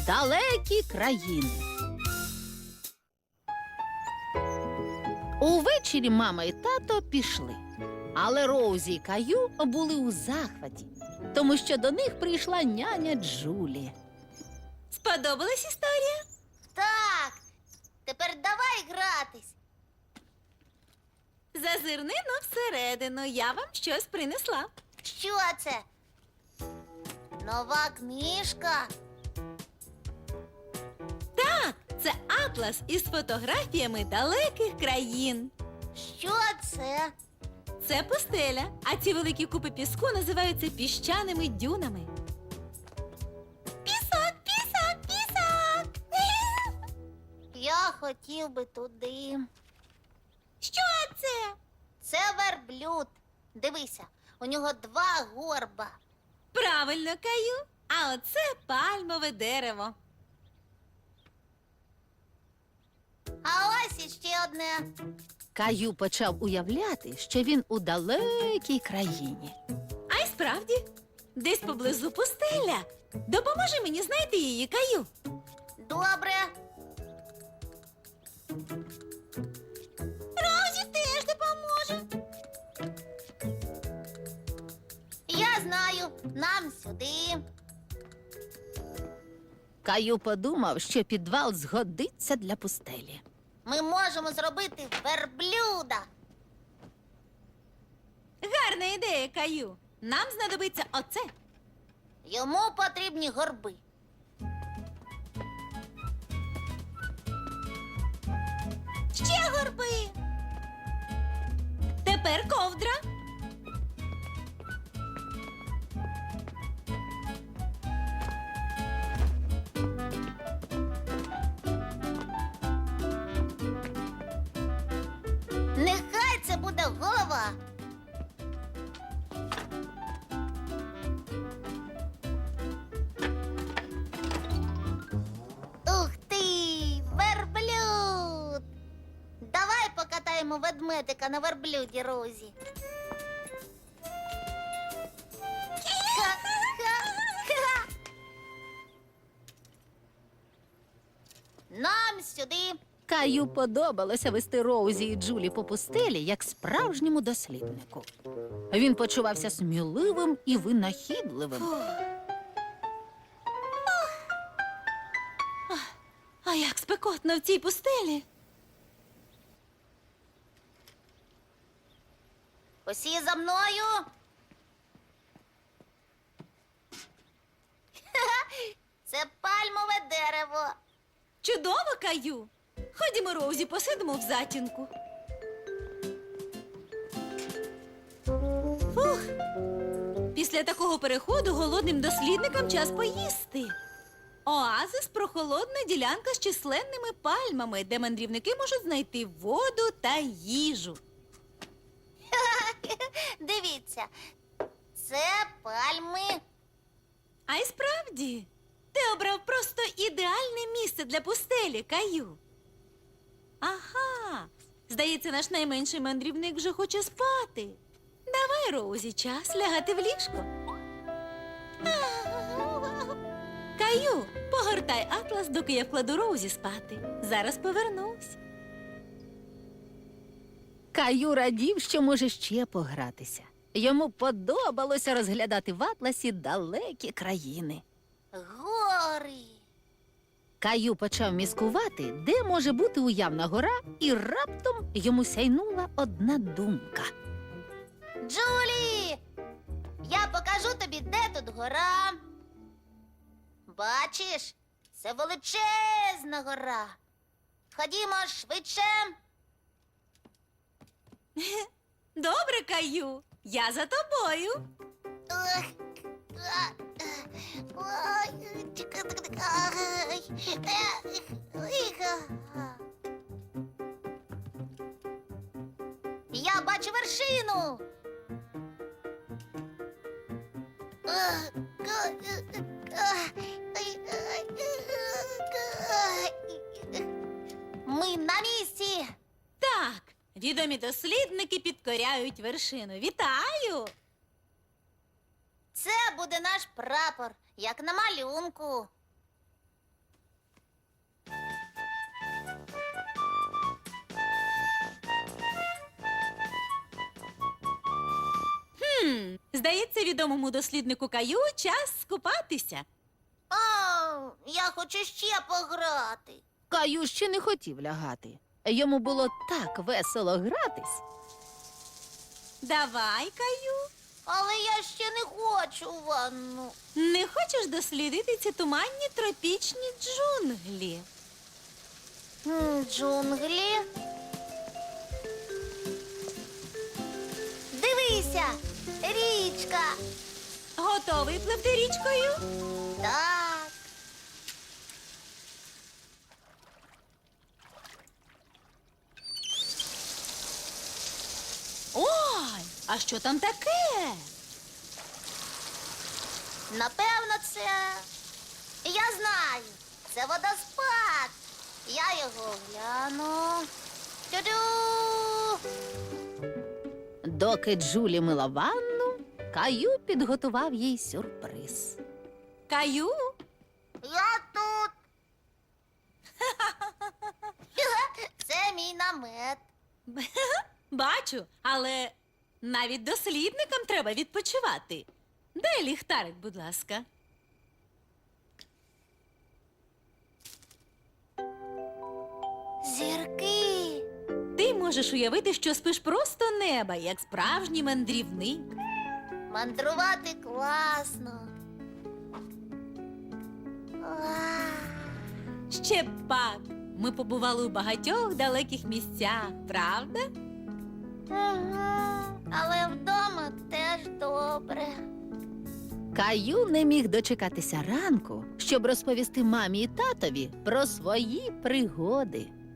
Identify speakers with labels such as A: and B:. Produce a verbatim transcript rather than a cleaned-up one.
A: Далекі країни. Увечері мама і тато пішли. Але Роузі і Каю були у захваті, тому що до них прийшла няня Джулі.
B: Сподобалась історія?
C: Так, тепер давай гратись.
B: Зазирни но всередину, я вам щось принесла.
C: Що це? Нова книжка?
B: Так, це атлас із фотографіями далеких країн.
C: Що це?
B: Це пустеля, а ці великі купи піску називаються піщаними дюнами. Пісок, пісок, пісок!
C: Я хотів би туди.
B: Що це?
C: Це верблюд. Дивися, у нього два горба.
B: Правильно, Каю. А оце пальмове дерево.
C: А ось іще одне.
A: Каю почав уявляти, що він у далекій країні.
B: А й справді, десь поблизу пустеля. Допоможи мені знайти її, Каю.
C: Добре.
B: Розі теж допоможе.
C: Я знаю, нам сюди.
A: Каю подумав, що підвал згодиться для пустелі.
C: Ми можемо зробити верблюда.
B: Гарна ідея, Каю. Нам знадобиться оце.
C: Йому потрібні горби.
B: Ще горби. Тепер ковдра.
C: Нехай це буде голова. Ух ти, верблюд! Давай покатаємо ведмедика на верблюді, Розі. Ха-ха-ха. Нам сюди.
A: Каю подобалося вести Роузі і Джулі по пустелі, як справжньому досліднику. Він почувався сміливим і винахідливим.
B: А як спекотно в цій пустелі.
C: Усі за мною. Ха-ха, це пальмове дерево.
B: Чудово, Каю. Ходімо, Роузі, посидимо в затінку. Фух. Після такого переходу голодним дослідникам час поїсти. Оазис – прохолодна ділянка з численними пальмами, де мандрівники можуть знайти воду та їжу.
C: Дивіться, це пальми.
B: А й справді, ти обрав просто ідеальне місце для пустелі, Каю. Ага, здається, наш найменший мандрівник вже хоче спати. Давай, Роузі, час лягати в ліжко. Каю, погортай атлас, доки я вкладу Роузі спати. Зараз повернусь.
A: Каю радів, що може ще погратися. Йому подобалося розглядати в атласі далекі країни.
C: Гори.
A: Каю почав міскувати, де може бути уявна гора, і раптом йому сяйнула одна думка.
C: Джулі, я покажу тобі, де тут гора. Бачиш, це величезна гора. Ходімо швидше.
B: Добре, Каю, я за тобою.
C: Ох, а, ой, чекай, ай, е, ой, а. Я бачу вершину. Ах, га- ах, ай, ай, ай. Ми на місці.
B: Так, відомі дослідники підкоряють вершину. Вітаю!
C: Це буде наш прапор, як на малюнку.
B: Здається, відомому досліднику Каю час скупатися.
C: А, я хочу ще пограти.
A: Каю ще не хотів лягати. Йому було так весело гратись.
B: Давай, Каю.
C: Але я ще не хочу ванну.
B: Не хочеш дослідити ці туманні тропічні джунглі?
C: М, Джунглі. Дивися, річка.
B: Готовий пливти річкою?
C: Так.
B: Ой, а що там таке?
C: Напевно, це. Я знаю. Це водоспад. Я його гляну. Тю-дю!
A: Доки Джулі мила ванну, Каю підготував їй сюрприз.
B: Каю?
C: Я тут. Це мій намет.
B: Бачу, але навіть дослідникам треба відпочивати. Дай ліхтарик, будь ласка.
C: Зірки.
B: Ти можеш уявити, що спиш просто неба, як справжній мандрівник.
C: Мандрувати класно. Уа.
B: Ще б пак. Ми побували у багатьох далеких місцях, правда?
C: Ага. Але вдома теж добре.
A: Каю не міг дочекатися ранку, щоб розповісти мамі і татові про свої пригоди.